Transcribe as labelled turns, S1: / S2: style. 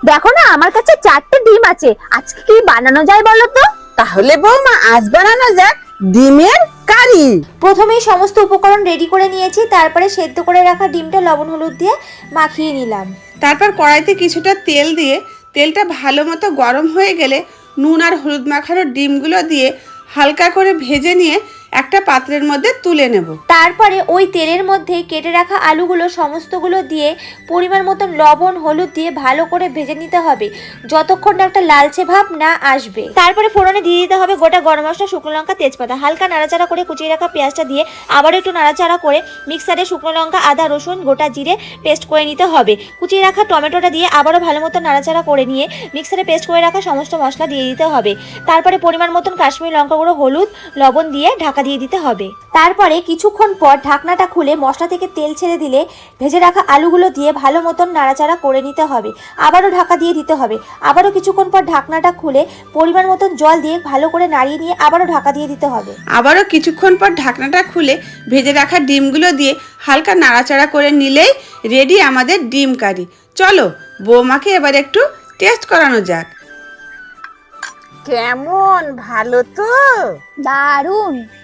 S1: দেখো না, আমার কাছে 4টে ডিম আছে, আজকে কি বানানো যায় বলো তো?
S2: তাহলে বৌমা আজ বানানো যাক ডিমের কারি।
S3: প্রথমেই সমস্ত উপকরণ রেডি করে নিয়েছি, তারপরে সেদ্ধ করে রাখা ডিমটা লবণ হলুদ দিয়ে মাখিয়ে নিলাম।
S4: তারপর কড়াইতে কিছুটা তেল দিয়ে তেলটা ভালো মতো গরম হয়ে গেলে নুন আর হলুদ মাখানো ডিমগুলো দিয়ে হালকা করে ভেজে নিয়ে একটা পাত্রের মধ্যে তুলে নেব।
S3: তারপরে ওই তেলের মধ্যে কেটে রাখা আলুগুলো সমস্তগুলো দিয়ে পরিমাণ মতন লবণ হলুদ দিয়ে ভালো করে ভেজে নিতে হবে যতক্ষণ না একটা লালচে ভাব না আসবে। তারপরে ফোড়নে দিয়ে দিতে হবে গোটা গরম মশলা, শুকনো লঙ্কা, তেজপাতা। হালকা নাড়াচাড়া করে কুচিয়ে রাখা পেঁয়াজটা দিয়ে আবারও একটু নাড়াচাড়া করে মিক্সারে শুকনো লঙ্কা, আদা, রসুন, গোটা জিরে পেস্ট করে নিতে হবে। কুচিয়ে রাখা টমেটোটা দিয়ে আবারও ভালো মতো নাড়াচাড়া করে নিয়ে মিক্সারে পেস্ট করে রাখা সমস্ত মশলা দিয়ে দিতে হবে। তারপরে পরিমাণ মতন কাশ্মীরি লঙ্কা গুঁড়ো, হলুদ, লবণ দিয়ে ঢাকা দিয়ে দিতে হবে। তারপরে কিছুক্ষণ পর ঢাকনাটা খুলে মশলা থেকে তেল ছেড়ে দিলে ভেজে রাখা আলুগুলো দিয়ে ভালো মতন নাড়াচাড়া করে নিতে হবে। আবারও ঢাকা দিয়ে দিতে হবে। আবারও কিছুক্ষণ পর ঢাকনাটা খুলে পরিমাণ মতন জল দিয়ে ভালো করে নাড়িয়ে নিয়ে আবারও ঢাকা দিয়ে দিতে হবে।
S4: আবারও কিছুক্ষণ পর ঢাকনাটা খুলে ভেজে রাখা ডিমগুলো দিয়ে হালকা নাড়াচাড়া করে নিলেই রেডি আমাদের ডিম কারি। চলো বৌমাকে এবার একটু টেস্ট করানো যাক।
S2: কেমন, ভালো তো?
S1: দারুণ।